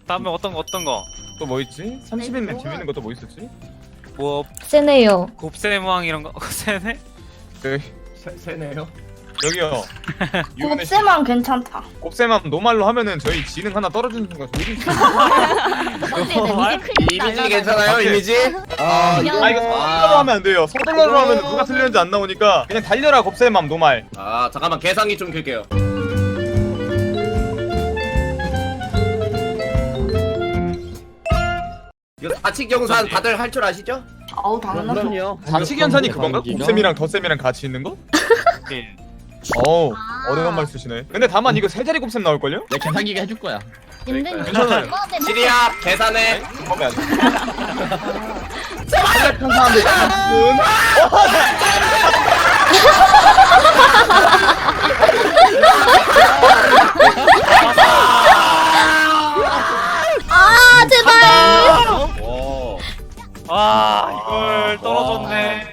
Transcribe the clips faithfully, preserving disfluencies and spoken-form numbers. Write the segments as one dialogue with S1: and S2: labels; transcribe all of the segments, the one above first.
S1: 다음에 어떤 거 어떤 거?
S2: 또 뭐 있지? 삼십 인면
S3: 뭐가-
S2: 재밌는 거 또 뭐 있었지?
S1: 뭐
S4: 세네요.
S1: 곱셈왕 이런 거 세네?
S2: 여기
S5: 세, 세네요.
S2: 여기요. 유은혜 씨,
S3: 곱셈만 괜찮다.
S2: 곱셈만 노말로 하면은 저희 지능 하나 떨어지는 순간 조질 수 있어요.
S5: 이미지 괜찮아요?
S2: 오케이.
S5: 이미지? 아,
S2: 아 이거 서둘러로 하면 안 돼요. 서둘러로 하면 누가 틀렸는지 안 나오니까 그냥 달려라 곱셈함 노말.
S5: 아 잠깐만 계산기 좀 켤게요. 이거 사칙경산 다들 할 줄 아시죠?
S3: 아우 당연하죠.
S2: 자치견산이 그건가? 곱셈이랑 덧셈이랑 같이 있는 거?
S1: 예.
S2: 어우 어려운 말 쓰시네. 근데 다만 이거 세 자리 곱셈 나올걸요?
S6: 내 계산기가 해줄 거야.
S3: 힘든
S2: 괜찮아요.
S5: 시리야 계산해.
S2: 잠깐만.
S4: 아 제발.
S5: 오.
S1: 아 이걸 떨어졌네.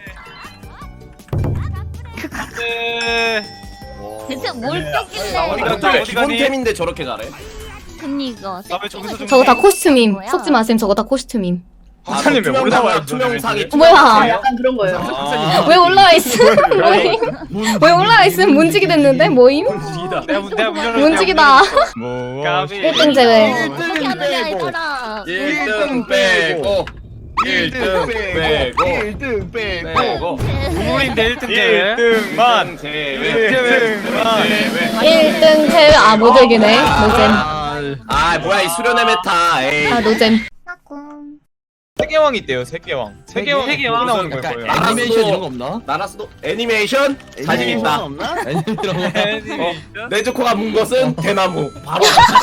S1: 네.
S3: 대체 뭘
S5: 아,
S3: 뺐길래?
S5: 이거
S1: 어디 가니?
S5: 기본템인데 저렇게 잘해?
S3: 그니까.
S1: 나왜 저기서 좀
S4: 저거 다 코스튬임. 속지 마셈. 저거 다 코스튬임.
S2: 화사님 왜
S5: 투명상-
S2: 올라와요?
S5: 투명상이
S4: 뭐야?
S3: 아, 약간 그런 거예요.
S4: 왜 올라와 있음? 뭐임? 왜 올라와 있음? 문지기 됐는데 뭐임?
S1: 내가 문 내가 문열어.
S4: 문지기다.
S2: 뭐
S1: 까비.
S4: 일 등 제외.
S3: 어떻게 하느냐 얘들아.
S5: 일 등 빼고 일 등 빼고
S2: 일 등 빼고
S5: 빼고
S1: 우물인데 일 등 제외.
S2: 일 등만
S5: 제외
S2: 일 등만
S4: 일 등 제외. 아 모델기네. 노잼.
S5: 아 뭐야 이 수련의 메타 에이
S4: 아 노잼.
S2: 세계왕이 있대요. 세계왕. 세계왕
S1: 세계왕.
S2: 나오는 걸
S6: 약간
S2: 거예요.
S5: 아,
S6: 애니메이션
S5: 알았어.
S6: 이런 거 없나?
S5: 나라스도 애니메이션 자신 있다.
S6: 없나? 애니메이션 이런 거.
S1: 애니메이션?
S5: 네즈코가 문 것은 대나무 바로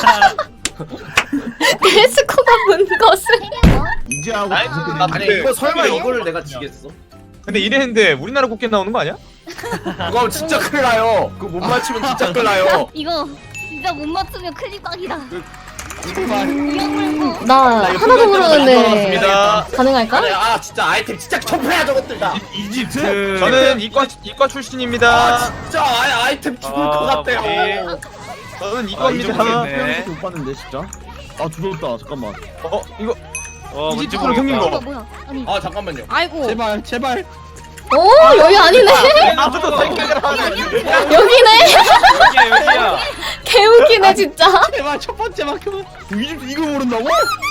S4: 데스코가 문 것은.
S6: 이제 하고
S2: 아니,
S6: 무슨
S2: 나
S5: 아니
S2: 근데
S5: 이거 설마
S2: 근데
S5: 이거를 내가 지겠어?
S2: 근데 이랬는데 우리나라 국기 나오는 거 아니야?
S5: 그거 진짜 큰일 나요. 그거 못 맞추면 진짜 큰일 나요.
S3: 이거 진짜 못 맞추면 클릭박이다.
S5: 정말.
S3: 이거 물고.
S4: 나 하나도 모르는데
S2: 반갑습니다.
S4: 가능할까?
S5: 아니, 아 진짜 아이템 진짜 접해야 저것들 다.
S1: 이집트.
S2: 저는 이과 이과 출신입니다.
S5: 아 진짜 아, 아이템 죽을
S1: 아,
S5: 것 같아요.
S1: 우리.
S2: 저는
S1: 이
S2: 이과입니다.
S1: 정도겠네.
S6: 못 봤는데 진짜. 아 두렵다. 잠깐만.
S2: 어 이거
S1: 어 뭔지
S2: 이집트로 생긴
S1: 모르겠다.
S2: 거.
S3: 뭐야? 아니.
S5: 아 잠깐만요.
S3: 아이고.
S6: 제발 제발.
S4: 오 여기 아니네.
S2: 아무도 생각을 하네.
S4: 여기네.
S1: 여기야 여기야.
S4: 개웃기네 진짜.
S6: 제발 첫 번째만큼은. 이집트 이거 모른다고?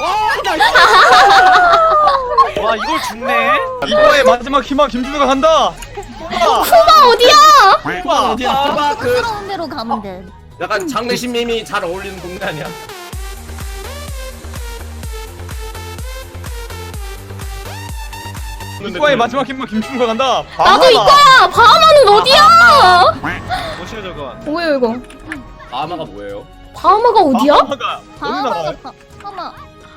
S1: 와 이걸 죽네.
S2: 이과의 마지막 희망 김준호가 간다.
S4: 쿠바 어디야?
S2: 와
S6: 어디야?
S5: 아, 그
S3: 부끄러운 대로 가면 돼.
S5: 약간 장례신님이 잘 어울리는 동네 아니야?
S2: 이과의 마지막 희망 김준호가 간다.
S4: 나도 이거야. 바하마는 어디야?
S1: 뭐시여 저건.
S4: 뭐야 이거?
S5: 아마가 뭐예요?
S4: 바하마가 어디야?
S2: 바하마가 어디
S3: 바하마가
S2: 나와요?
S3: 바- 바하마.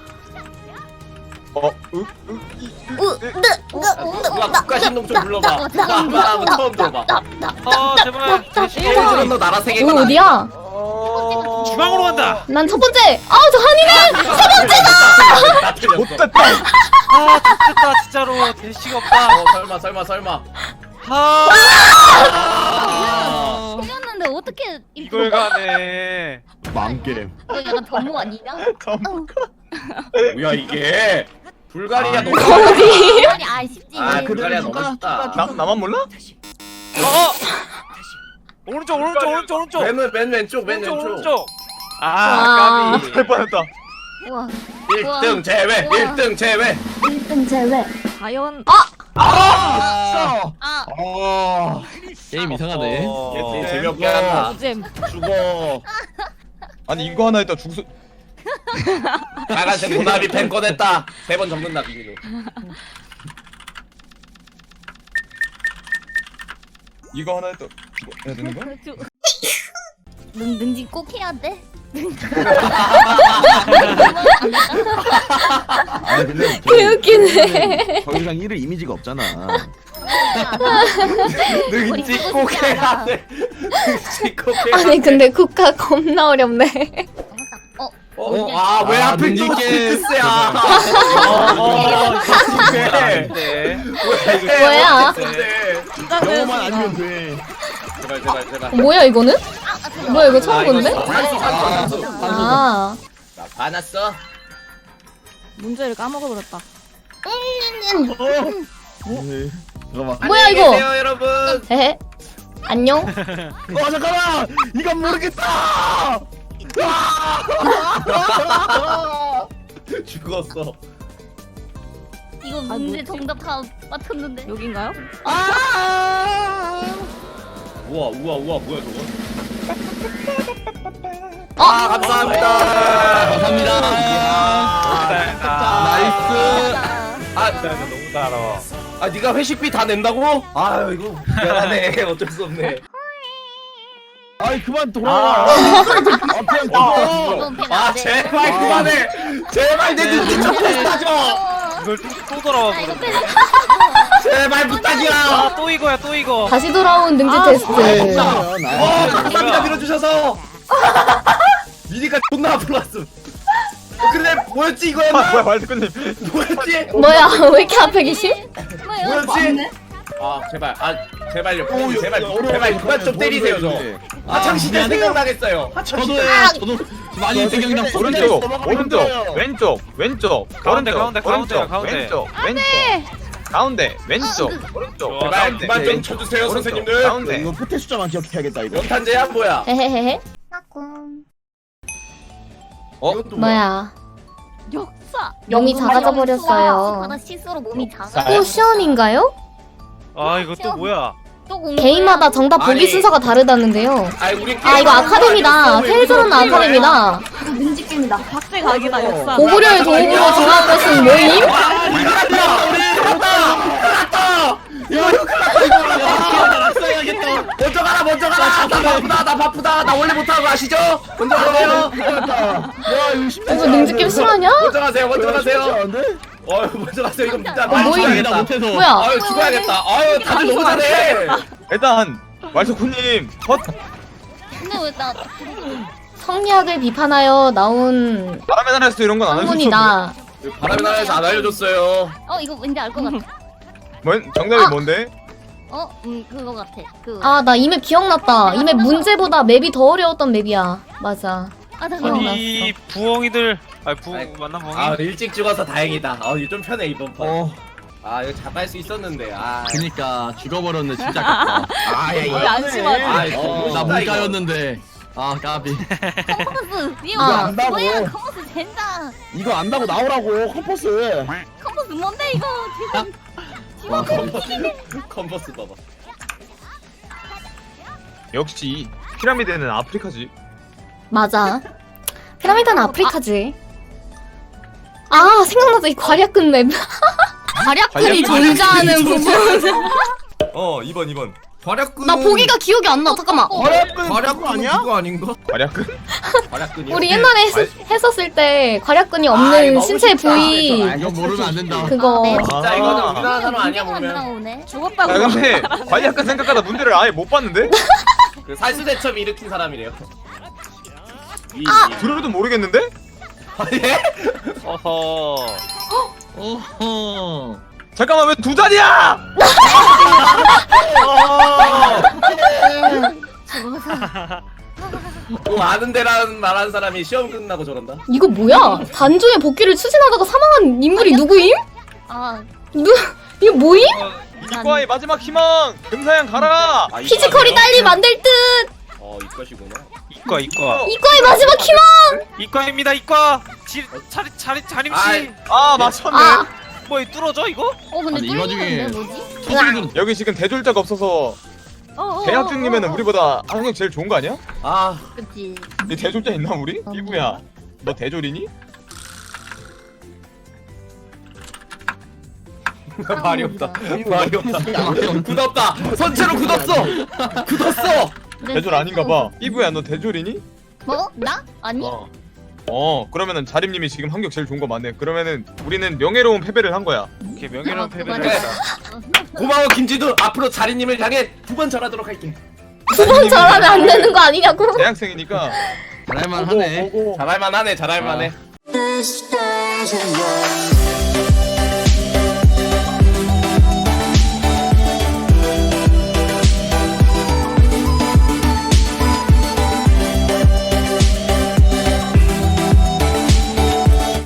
S2: 어, 으, 으, 이, 으,
S3: 으,
S2: 으,
S5: 누가 국가신동 좀 불러봐. 나 처음 들어봐.
S1: 아 제발.
S5: 일본은 너 나라 세계관
S4: 여기 어디야?
S2: 어...
S1: 중앙으로 간다.
S4: 난 첫 번째. 아 저 한이네.
S5: 다 틀렸어.
S2: 못됐다.
S1: 아 좋겠다 진짜로 대시가 없다.
S5: 어 설마 설마 설마.
S1: 아
S3: 틀렸는데 어떻게
S1: 이걸 가네.
S6: 망게임.
S3: 이거 약간 변모 아니냐?
S5: 뭐야 이게? 불가리아 너무.
S4: 어디?
S3: 아니 아 쉽지.
S5: 아
S6: 그래,
S5: 불가리아 너무
S6: 누가-
S5: 쉽다.
S2: 나 나만 몰라?
S1: 어. 오른쪽 오른쪽 오른쪽 오른쪽.
S5: 맨, 맨 왼쪽 맨
S1: 오른쪽
S5: 왼쪽.
S1: 오른쪽.
S4: 아.
S1: 아 까비.
S2: 할 뻔했다.
S3: 우와.
S5: 일 등 제외.
S3: 우와.
S5: 일 등 제외.
S3: 일 등 제외.
S4: 과연
S6: 아.
S3: 아.
S6: 아. 게임 이상하네.
S1: 어.
S5: 얘 재미없게 한다.
S3: 노잼.
S6: 죽어.
S2: 아니 이거 하나 했다 죽수.
S5: 빨간색 도나비 펜 꺼냈다. 세 번 접는다 비밀로.
S2: 이거 하나 했다. 이거 해야 되는 거야?
S3: 능 능지 꼭 해야 돼.
S6: 아 근데
S4: 개웃기네.
S6: 더 이상 이를 이미지가 없잖아.
S5: 능지 꼭 해야 돼. 능지 꼭 해야 돼.
S4: 아니 근데 국가 겁나 어렵네.
S3: 어.
S5: 어, 아, 왜
S6: 아,
S5: 하필
S6: 능지
S5: 또
S6: 게임.
S5: 스야?
S1: 어.
S2: 네.
S1: 네.
S4: 뭐야?
S6: 영어만 아니면 돼.
S5: 제발 제발 제발.
S4: 뭐야 이거는? 뭐야 이거 처음 본데?
S5: 산수 산수 산수.
S4: 아
S5: 나 화났어.
S7: 문제를 까먹어버렸다.
S6: 네. 잠깐만.
S4: 뭐야, 이거?
S5: 안녕히 계세요, 여러분.
S4: 헤헤. 안녕.
S6: 어 잠깐만. 이건 모르겠다.
S5: 죽었어.
S3: 이거 문제 정답 다 맞췄는데.
S7: 여긴가요?
S5: 우와 우와 우와 뭐야 저거?
S4: 어?
S5: 아 감사합니다.
S6: 감사합니다. 나이스.
S5: 아,
S1: 너무 달아.
S5: 아 네가 회식비 다 낸다고? 아유 이거 미안하네. 어쩔 수 없네.
S6: 아이 그만 돌아와. 아, 그냥 돌아와.
S5: 아 제발 그만해. 제발 내 눈빛 좀 테스트하죠.
S1: 이걸 또, 또 돌아와
S3: 아, 이거
S1: 버렸네.
S3: 패-
S5: 제발 부탁이야.
S1: 아, 또 이거야, 또 이거.
S4: 다시 돌아온 능지
S7: 아,
S4: 테스트.
S5: 어 감사합니다 밀어주셔서. 미니까 존나 앞으로 왔음. 어, 근데 뭐였지
S2: 아
S5: 이거였나?
S2: 뭐야 말드꾼님.
S5: 뭐였지?
S4: 뭐야, 왜 이렇게 앞에 계심?
S3: 뭐야,
S5: 뭐였지? 아 제발 아 제발요
S6: 오,
S5: 제발
S6: 어려워,
S5: 제발
S6: 어려워.
S5: 그만 좀 때리세요 저 하창 시대 생각나겠어요.
S6: 저도요. 저도 많이 생각나.
S2: 오른쪽 오른쪽 왼쪽 왼쪽
S1: 가운데,
S2: 오른쪽,
S1: 가운데,
S2: 오른쪽,
S1: 가운데.
S2: 왼쪽 왼쪽 가운데 왼쪽 오른쪽
S1: 좋아.
S5: 제발
S2: 가운데
S5: 그만 좀
S2: 왼쪽,
S5: 쳐주세요
S2: 오른쪽,
S5: 선생님들.
S2: 가운데
S6: 이거 포테 숫자만 기억해야겠다 이거.
S5: 연탄재야 뭐야?
S4: 헤헤헤헤.
S2: 어?
S5: 이것도
S4: 뭐야.
S3: 역사.
S4: 몸이 작아져 버렸어요.
S3: 하나 실수로 몸이 작아.
S2: 쌀.
S4: 포션인가요?
S1: 아, 이거 또 뭐야?
S3: 또 공부야.
S4: 개인마다 정답 보기
S5: 아니.
S4: 순서가 다르다는데요.
S5: 아이 우리
S4: 아, 이거 아카데미다. 테일즈는 아카데미다.
S7: 민지게임이다. 박대각이다 역사.
S4: 고구려의 도움으로 정한 것은 뭐임?
S5: 이거 이거
S6: 써야겠다.
S5: 먼저 가라 먼저 가라. 나 바쁘다 나 바쁘다 나 원래 못하는 거 아시죠? 먼저 가세요.
S6: 야 이거 쉽지
S4: 이거 능지게임 실화냐?
S5: 먼저 가세요 먼저 가세요.
S6: 않은데?
S5: 어 먼저 가세요 이거 진짜
S4: 어, 뭐임?
S5: 죽어야겠다.
S6: 못해서.
S4: 뭐야?
S5: 아유 죽어야겠다. 아유 다들 너무 잘해.
S2: 일단 말드꾼님 컷.
S3: 근데 왜 나?
S4: 성리학을 비판하여 나온
S2: 바람의 나라에서 이런 건 안 하셨죠?
S4: 학문이다.
S5: 바람의 나라에서 안 알려줬어요.
S3: 어 이거 왠지 알 것 같아.
S2: 뭔 정답이
S4: 아.
S2: 뭔데?
S3: 어, 음 그거 같아. 그.
S4: 아, 나 이 맵 기억났다. 이 맵 문제보다 맵이 더 어려웠던 맵이야. 맞아.
S3: 아 잠깐만.
S4: 기억났어.
S1: 아니, 부엉이들. 아, 부,
S5: 아이,
S1: 맞나, 부엉이?
S5: 아 일찍 죽어서 다행이다. 아 이거 좀 편해 이번 판.
S6: 어.
S5: 아 이거 잡을 수 있었는데. 아.
S6: 그니까 죽어버렸네 진짜 아깝다. 아야 이거.
S7: 왜 안심하지?
S5: 아,
S6: 어, 나
S5: 진짜 이거.
S6: 문과였는데. 아 까비.
S3: 컴퍼스. 이거
S4: 아.
S6: 안다고.
S3: 뭐야? 컴퍼스 젠장.
S6: 이거 안다고 나오라고 컴퍼스.
S3: 컴퍼스 뭔데 이거?
S6: 와
S5: 컨버스 컨버스 봐봐.
S2: 역시 피라미드는 아프리카지.
S4: 맞아. 피라미드는 아프리카지. 아, 생각나다. 이 과략근 맵. 과략근이
S2: 과략근이
S4: 존재하는 부분.
S5: 어 이번 이번. 과략근.
S4: 나 보기가 기억이 안 나. 잠깐만.
S6: 과략근
S5: 과략근
S6: 아니야?
S5: 그거 아닌가?
S2: 과략근?
S5: 과략근이.
S4: 우리 옛날에 했, 했었을 때 과략근이
S5: 아,
S4: 없는
S5: 이거
S4: 신체
S5: 너무
S4: 부위
S5: 쉽다.
S6: 이거 모르면 안 된다.
S4: 그거.
S3: 네.
S5: 진짜
S2: 아.
S5: 이거는 우리나라 사람 아니야
S3: 문제가 안
S5: 보면.
S3: 나오네.
S7: 죽었다고.
S2: 야 근데 과략근 생각하다 문제를 아예 못 봤는데?
S5: 그 살수대첩 일으킨 사람이래요. 위,
S4: 아!
S5: 위.
S2: 들어도 모르겠는데?
S5: 아, 예?
S1: 어허.
S6: 어허.
S2: 잠깐만 왜 두 자리야?
S5: 뭐 아는 데라는 말한 사람이 시험 끝나고 저런다.
S4: 이거 뭐야? 단종의 복귀를 추진하다가 사망한 인물이 누구임?
S3: 아
S4: 누, 이거 뭐임?
S2: 이과의 마지막 희망 금사양 가라.
S5: 아,
S4: 피지컬이
S5: 이과세요?
S4: 딸리 만들 듯!
S5: 어 이과시구나.
S1: 이과, 이과.
S4: 이과의 마지막 희망!
S1: 이과입니다, 이과. 지, 차리, 차리, 자림씨.
S5: 아이.
S2: 아 맞췄네.
S4: 아,
S1: 뭐, 이 뚫어져, 이거?
S3: 어 근데
S6: 아니, 이 와중에-
S3: 뚫리는데 뭐지?
S6: 토끼는
S2: 여기 지금 대졸자가 없어서
S3: 어, 어,
S2: 대학
S3: 어,
S2: 중이면은
S3: 어, 어.
S2: 우리보다 학력 제일 좋은 거 아니야?
S5: 아
S3: 그치.
S2: 이 대졸자 있나 우리? 이구야 너 대졸이니?
S5: 말이 없다. 말이 없다. 굳었다. 선체로 굳었어. 굳었어.
S2: 대졸 아닌가 봐. 이구야 너 대졸이니?
S3: 뭐? 나? 아니?
S2: 어. 어 그러면은 자림님이 지금 학력 제일 좋은 거 맞네. 그러면은 우리는 명예로운 패배를 한 거야.
S1: 이렇게 명예로운
S3: 아,
S1: 패배를
S3: 그만해.
S1: 했다.
S5: 고마워 김지두. 앞으로 자리님을 향해 두 번 절하도록 할게.
S4: 두 번 절하면 안 되는 거 아니냐고?
S2: 대학생이니까
S6: 잘할만 하네.
S2: 오고, 오고.
S5: 잘할만하네. 잘할만해.
S6: 아.
S8: This station